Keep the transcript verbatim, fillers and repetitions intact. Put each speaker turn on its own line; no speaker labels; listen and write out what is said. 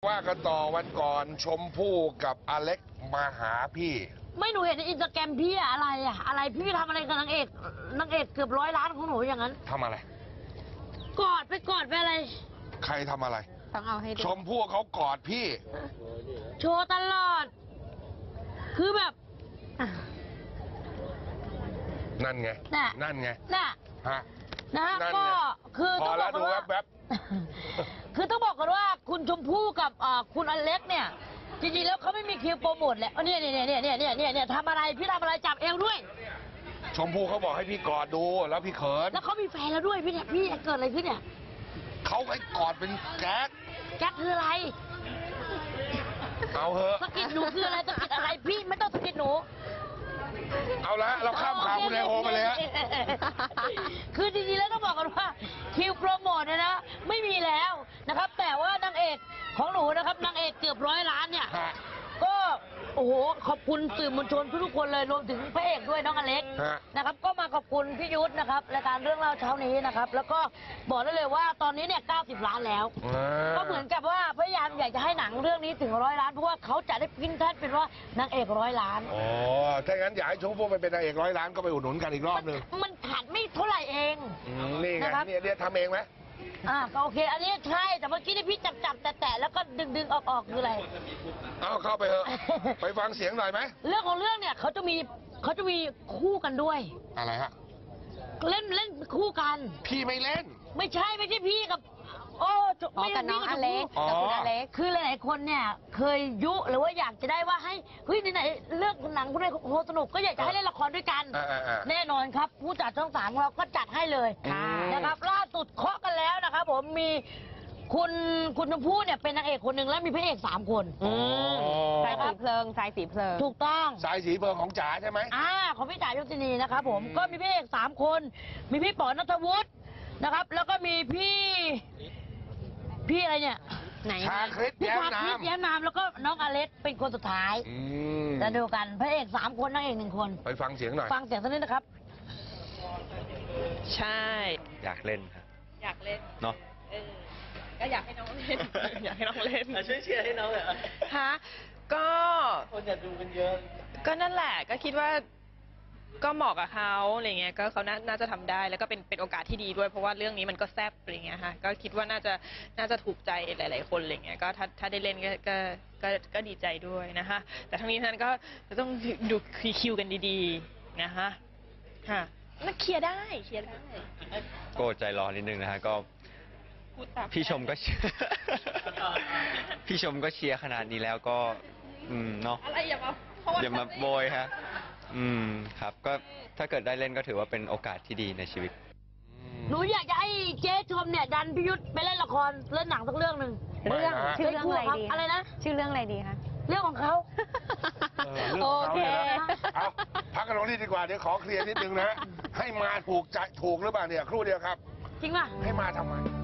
ว่ากันต่อวันก่อนชมพู่กับอเล็กมาหาพี่
ไม่หนูเห็นในอินสตาแกรมพี่อะอะไรอะอะไรพี่ทำอะไรกับนางเอกนางเอกเกือบร้อยล้านของหนูอย่างนั้น
ทำอะไร
กอดไปกอดไปอะไร
ใครทำอะไร
ต้องเอาให้ดู
ชมพู่เขากอดพี่
โชว์ตลอด คือแบบอ่ะ
นั่นไง
น่ะ
นั่นไง
น่ะ
ฮะ
นะฮะ
นั่นไง
ก็คือ
พ
ต้
อ
องบ
แล้
อ
ว
กกั
ดู
นว่า
แวบ
คือต้องบอกกันว่าคุณชมพู่กับอ่าคุณอเล็กเนี่ยจริงๆแล้วเขาไม่มีคิวโปรโมทแหละเนี่ยเนี่ยเนี่ยเนี่ยเนี่ยเนี่ยเนี่ยทำอะไรพี่ทำอะไรจับเอวด้วย
ชมพู่เขาบอกให้พี่กอดดูแล้วพี่เขิน
แล้วเขามีแฟนแล้วด้วยพี่เนี่ยพี่เกิดอะไรขึ้นเนี่ย
เขาให้กอดเป็นแก๊ก
แก๊กคืออะไร
เอาเหอะ
สะกิดหนูคืออะไรสะกิดอะไรพี่ไม่ต้องสะกิดหนู
เอาละเราข้ามข่าวคุณไอโอมาเลยฮะ
คือจริงๆแล้วต้องบอกกันว่าคิวโปรโมทเนี่ยนะไม่มีแล้วนะครับ แต่ว่านางเอกของหนูนะครับนางเอกเกือบร้อยล้านเนี่ย
ฮะ
ก็โอ้โหขอบคุณสื่อมวลชนทุกๆคนเลยรวมถึงพระเอกด้วยน้องอเล็ก
ฮะ
นะครับ ก็มาขอบคุณพี่ยุทธนะครับรายการเรื่องเล่าเช้านี้นะครับ แล้วก็บอกได้เลยว่าตอนนี้เนี่ยเก้าสิบล้านแล้ว
อ่า
ก็เหมือนกับว่าพยายามอยากจะให้หนังเรื่องนี้ถึงร้อยล้านเพราะว่าเขาจะได้พิ้นแท่นเป็นว่านางเอกร้อยล้าน
อ๋อถ้างั้นอยากให้ชมพู่ไปเป็นนางเอกร้อยล้านก็ไปอุดหนุนกันอีกรอบหนึ่ง
มันขาดไม่เท่าไหร่เอง
อืมนี่ไง
นะครับ
เนี่ยเนี่ยทำเองไหม
อ่าก็โอเค อันนี้ใช่แต่เมื่อกี้ที่พี่จับจับแตะแตะแล้วก็ดึงดึงออกออกคืออะไร
เอาเข้าไปเถอะ ไปฟังเสียงหน่อยไหม
เรื่องของเรื่องเนี่ยเขาจะมีเขาจะมีคู่กันด้วย
อะไรฮะ
เล่นเล่นคู่กัน
พี่ไม่เล่น
ไม่ใช่ไม่ใช่พี่กับ โอ้จ
อ๋อกับน้องอเล็ก
อ๋อ
กับคุณอเล็ก
คือหลายๆคนเนี่ย เคยยุหรือว่าอยากจะได้ว่าให้เฮ้ยไหนๆเลือกหนังคุณไอ้โหสนุกก็อยากจะให้เล่นละครด้วยกัน
อ่าอ่าอ่า
แน่นอนครับ ผู้จัดช่องสามของเราก็จัดให้เลย
ค่ะ
นะครับ ล่าสุดเคาะกันแล้วนะครับผมมีคุณคุณชมพู่เนี่ยเป็นนางเอกคนหนึ่งแล้วมีพระเอกสามคน
อ๋อ
สายสีเพลิงสายสีเพลิง
ถูกต้อง
สายสีเพลิงของจ๋าใช่ไหม
อ่าของพี่จ่ายยศินีนะครับผม
อืม
ก็มีพระเอกสามคน มีพี่ป๋อนัทวุฒินะครับ แล้วก็มีพี่ พี่อะไรเนี่ย
ไหน
ชาคริส
พี่
แย้ม
ชาคริส
น้ำ
แย้มนามแล้วก็น้องอเล็กเป็นคนสุดท้าย
อืม
จะดูกันพระเอกสามคนนางเอกหนึ่งคน
ไปฟังเสียงหน่อย
ฟังเสียงสักนิดนะครับ
ใช่
อยากเล่นครับ
อยากเล่น
เนาะ
เออก็อยากให้น้องเล่น อยากให้น้องเล่น
ช่วยเชียร์ให้น้องเลย
ฮะก็
คนอยากดูกันเยอะ
ก็นั่นแหละก็คิดว่าก็เหมาะกับเขาอะไรเงี้ยก็เขาน่าน่าจะทำได้แล้วก็เป็นเป็นโอกาสที่ดีด้วยเพราะว่าเรื่องนี้มันก็แซ่บอะไรเงี้ยค่ะก็คิดว่าน่าจะน่าจะถูกใจหลาย ๆ คนอะไรเงี้ยก็ถ้าถ้าได้เล่นก็ก็ก็ก็ดีใจด้วยนะคะแต่ทั้งนี้ทั้งนั้นก็ก็ต้องดูคิวกันดีๆนะคะค่ะนักเคลียร์ได้เคลียร์ได้
โกรธใจร้อนนิดนึงนะฮะก็
พูดตาม
พี่ชมก็เชียร์ พี่ชมก็เชียร์ขนาดนี้แล้วก็ อืมเนาะ
อะไรอย่ามาเพระว่
อย่ามาโบยฮะอืมครับ ก็ถ้าเกิดได้เล่นก็ถือว่าเป็นโอกาสที่ดีในชีวิต
หนูอยากจะให้เจ๊ชมเนี่ยดันพิยุทธไปเล่นละครเล่นหนังสักเรื่องหนึ่ง
ไม่
เรื่อง
นะฮะ
ชื่อเรื่องอะไรดี
อะไรนะ
ชื่อเรื่องอะไรดีคะ
เรื่องของเขา
เออเรื่อง
โอ
ของ
เค
เขาเนี่ยนะเอาพักกันตรงนี้ดีกว่า เดี๋ยวขอเคลียร์นิดนึงนะ ให้มาถูกใจถูกหรือเปล่าเนี่ย ครู่เดียวครับ
จริงป่ะ
ให้มาทำไม